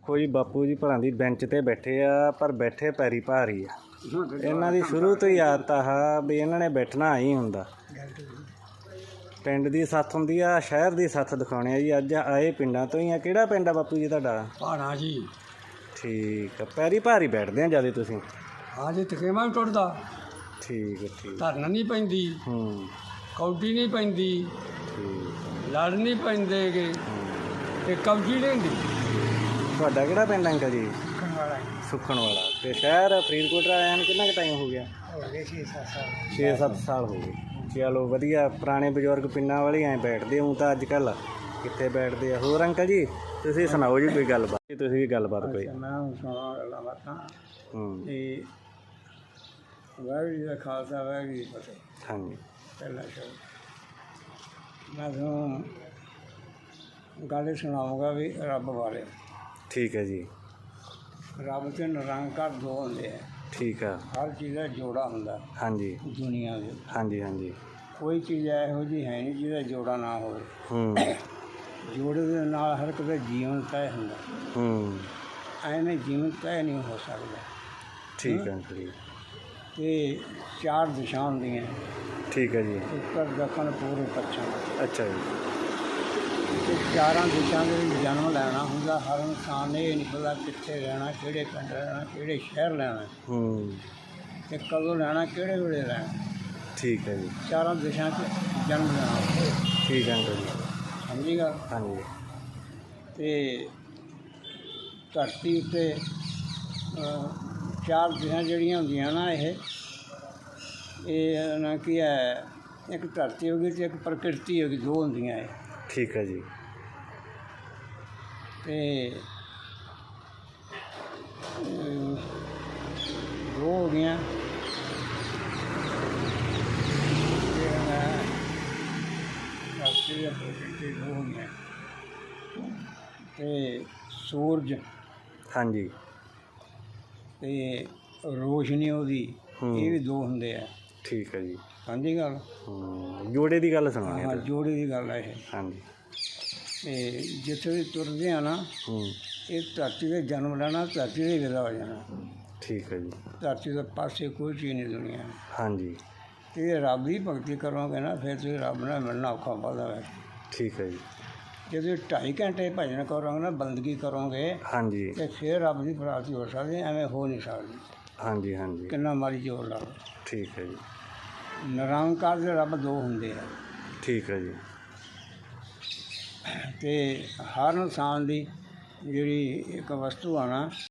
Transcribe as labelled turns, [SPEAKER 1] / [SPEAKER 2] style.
[SPEAKER 1] ਦੇਖੋ ਜੀ ਬਾਪੂ ਜੀ ਭਲਾਂ ਦੀ ਬੈਂਚ ਤੇ ਬੈਠੇ ਆ, ਪਰ ਬੈਠੇ ਪੈਰੀ ਭਾਰੀ ਆ। ਇਹਨਾਂ ਦੀ ਸ਼ੁਰੂ ਤੋਂ ਹੀ ਆਦਤ ਆ ਵੀ ਇਹਨਾਂ ਨੇ ਬੈਠਣਾ ਹੀ ਹੁੰਦਾ। ਪਿੰਡ ਦੀ ਸੱਥ ਹੁੰਦੀ ਆ, ਸ਼ਹਿਰ ਦੀ ਸੱਥ ਦਿਖਾਉਣੇ ਆ ਜੀ। ਅੱਜ ਆਏ ਪਿੰਡਾਂ ਤੋਂ ਹੀ ਆ। ਕਿਹੜਾ ਪਿੰਡ ਆ ਬਾਪੂ ਜੀ ਤੁਹਾਡਾ?
[SPEAKER 2] ਭਾਣਾ ਜੀ।
[SPEAKER 1] ਠੀਕ ਆ, ਪੈਰੀ ਭਾਰੀ ਬੈਠਦੇ ਆ ਜਿਆਦਾ ਤੁਸੀਂ?
[SPEAKER 2] ਹਾਂ ਜੀ, ਤਕੇਮਾ ਵੀ ਟੁੱਟਦਾ।
[SPEAKER 1] ਠੀਕ ਹੈ ਠੀਕ।
[SPEAKER 2] ਧਰਨ ਨਹੀਂ ਪੈਂਦੀ, ਕੌਡੀ ਨਹੀਂ ਪੈਂਦੀ,
[SPEAKER 1] ਠੀਕ।
[SPEAKER 2] ਲੜ ਨਹੀਂ ਪੈਂਦੇ ਗੇ ਤੇ ਕਬਜੀ ਨਹੀਂ ਹੁੰਦੀ।
[SPEAKER 1] ਤੁਹਾਡਾ ਕਿਹੜਾ ਪਿੰਡ ਅੰਕਲ ਜੀ? ਸੁੱਖਣ ਵਾਲਾ। ਤੇ ਸ਼ਹਿਰ ਫਰੀਦਕੋਟ ਆਇਆ ਨੂੰ ਕਿੰਨਾ ਕੁ ਟਾਈਮ ਹੋ ਗਿਆ? 6-7 ਸਾਲ ਹੋ ਗਏ। ਚਲੋ ਵਧੀਆ। ਪੁਰਾਣੇ ਬਜ਼ੁਰਗ ਪਿੰਡਾਂ ਵਾਲੇ ਐਂ ਬੈਠਦੇ ਹੂੰ ਤਾਂ ਅੱਜ ਕੱਲ੍ਹ ਕਿੱਥੇ ਬੈਠਦੇ ਆ। ਹੋਰ ਅੰਕਲ ਜੀ ਤੁਸੀਂ ਸੁਣਾਓ ਜੀ ਕੋਈ ਗੱਲਬਾਤ? ਤੁਸੀਂ ਵੀ ਗੱਲਬਾਤ ਕੋਈ?
[SPEAKER 2] ਮੈਂ ਸੁਣਾ ਗੱਲਾਂ ਬਾਤਾਂ ਤੇ ਵਾਹਿਗੁਰੂ ਜੀ ਦਾ ਖਾਲਸਾ, ਵਾਹਿਗੁਰੂ ਜੀ ਦੀ ਫਤਿਹ।
[SPEAKER 1] ਹਾਂਜੀ।
[SPEAKER 2] ਪਹਿਲਾਂ ਮੈਂ ਤੁਹਾਨੂੰ ਗੱਲ ਸੁਣਾਊਂਗਾ ਵੀ ਰੱਬ ਬਾਰੇ।
[SPEAKER 1] ਠੀਕ ਹੈ ਜੀ।
[SPEAKER 2] ਰੱਬ ਤੇ ਨਿਰੰਕਾਰ ਦੋ ਹੁੰਦੇ ਆ।
[SPEAKER 1] ਠੀਕ ਆ।
[SPEAKER 2] ਹਰ ਚੀਜ਼ ਦਾ ਜੋੜਾ ਹੁੰਦਾ। ਹਾਂਜੀ। ਦੁਨੀਆ ਦੇ। ਹਾਂਜੀ
[SPEAKER 1] ਹਾਂਜੀ।
[SPEAKER 2] ਕੋਈ ਚੀਜ਼ ਇਹੋ ਜਿਹੀ ਹੈ ਨਹੀਂ ਜਿਹਦਾ ਜੋੜਾ ਨਾ ਹੋਵੇ। ਜੋੜੇ ਦੇ ਨਾਲ ਹਰ ਇੱਕ ਦਾ ਜੀਵਨ ਤੈਅ ਹੁੰਦਾ। ਐਵੇਂ ਜੀਵਨ ਤੈਅ ਨਹੀਂ ਹੋ ਸਕਦਾ।
[SPEAKER 1] ਠੀਕ ਹੈ ਜੀ।
[SPEAKER 2] ਤੇ 4 ਦਿਸ਼ਾ ਹੁੰਦੀਆਂ। ਠੀਕ ਹੈ ਜੀ। ਉੱਤਰ, ਦੱਖਣ, ਪੂਰਬ, ਪੱਛਮ। ਅੱਛਾ ਜੀ। ਤੇ 4 ਦਿਸ਼ਾ ਦੇ ਵਿੱਚ ਜਨਮ ਲੈਣਾ ਹੁੰਦਾ। ਹਰ ਇਨਸਾਨ ਨੇ ਇਹ ਨਹੀਂ ਪਤਾ ਕਿੱਥੇ ਰਹਿਣਾ, ਕਿਹੜੇ ਪਿੰਡ ਰਹਿਣਾ, ਕਿਹੜੇ ਸ਼ਹਿਰ ਲੈਣਾ ਤੇ ਕਦੋਂ ਲੈਣਾ, ਕਿਹੜੇ ਵੇਲੇ ਲੈਣਾ। ਠੀਕ ਹੈ ਜੀ। 4 ਦਿਸ਼ਾ 'ਚ ਜਨਮ ਲੈਣਾ। ਠੀਕ ਹੈ ਜੀ। ਸਮਝੀ ਗੱਲ? ਹਾਂਜੀ। ਤੇ ਧਰਤੀ ਉੱਤੇ 4 ਦਿਸ਼ਾ ਜਿਹੜੀਆਂ ਹੁੰਦੀਆਂ ਨਾ, ਇਹ ਨਾ ਕੀ ਹੈ, ਇੱਕ ਧਰਤੀ ਹੋ ਗਈ ਅਤੇ ਇੱਕ ਪ੍ਰਕਿਰਤੀ ਹੋ ਗਈ। 2 ਹੁੰਦੀਆਂ ਇਹ। ਠੀਕ ਹੈ ਜੀ। ਤੇ 2 ਹੋ ਗਈਆਂ। ਧਰਤੀ ਦੇ ਪ੍ਰਕਿਰਤੀ 2 ਹੋ ਗਈਆਂ ਤੇ ਸੂਰਜ। ਹਾਂਜੀ। ਤੇ ਰੋਸ਼ਨੀ ਉਹਦੀ, ਇਹ ਵੀ 2 ਹੁੰਦੇ ਆ। ਠੀਕ ਹੈ ਜੀ। ਹਾਂਜੀ ਗੱਲ। ਜੋੜੇ ਦੀ ਗੱਲ ਸੁਣਾਉਣੀ? ਹਾਂ, ਜੋੜੇ ਦੀ ਗੱਲ ਹੈ ਇਹ। ਹਾਂਜੀ। ਤੇ ਜਿੱਥੇ ਵੀ ਤੁਰਦੇ ਆ ਨਾ, ਇਹ ਧਰਤੀ 'ਤੇ ਜਨਮ ਲੈਣਾ, ਧਰਤੀ 'ਤੇ ਵਿਦਾ ਹੋ ਜਾਣਾ। ਠੀਕ ਹੈ ਜੀ। ਧਰਤੀ ਦੇ ਪਾਸੇ ਕੋਈ ਚੀਜ਼ ਨਹੀਂ ਦੁਨੀਆ। ਹਾਂਜੀ। ਅਤੇ ਰੱਬ ਦੀ ਭਗਤੀ ਕਰੋਗੇ ਨਾ, ਫਿਰ ਤੁਸੀਂ ਰੱਬ ਨਾਲ ਮਿਲਣਾ ਔਖਾ ਵੱਧਦਾ ਹੈ। ਠੀਕ ਹੈ ਜੀ। ਜੇ ਤੁਸੀਂ 2.5 ਘੰਟੇ ਭਜਨ ਕਰੋਗੇ ਨਾ, ਬੰਦਗੀ ਕਰੋਗੇ, ਹਾਂਜੀ, ਅਤੇ ਫਿਰ ਰੱਬ ਦੀ ਪ੍ਰਾਪਤੀ ਹੋ ਸਕਦੀ। ਐਵੇਂ ਹੋ ਨਹੀਂ ਸਕਦੀ। ਹਾਂਜੀ ਹਾਂਜੀ। ਕਿੰਨਾ ਮਰਜ਼ੀ ਜ਼ੋਰ ਲਾ ਲਓ। ਠੀਕ ਹੈ ਜੀ। ਨਿਰੰਕਾਰ ਦੇ ਰੱਬ 2 ਹੁੰਦੇ ਆ। ਠੀਕ ਹੈ ਜੀ। ਅਤੇ ਹਰ ਇਨਸਾਨ ਦੀ ਜਿਹੜੀ ਇੱਕ ਵਸਤੂ ਆ ਨਾ,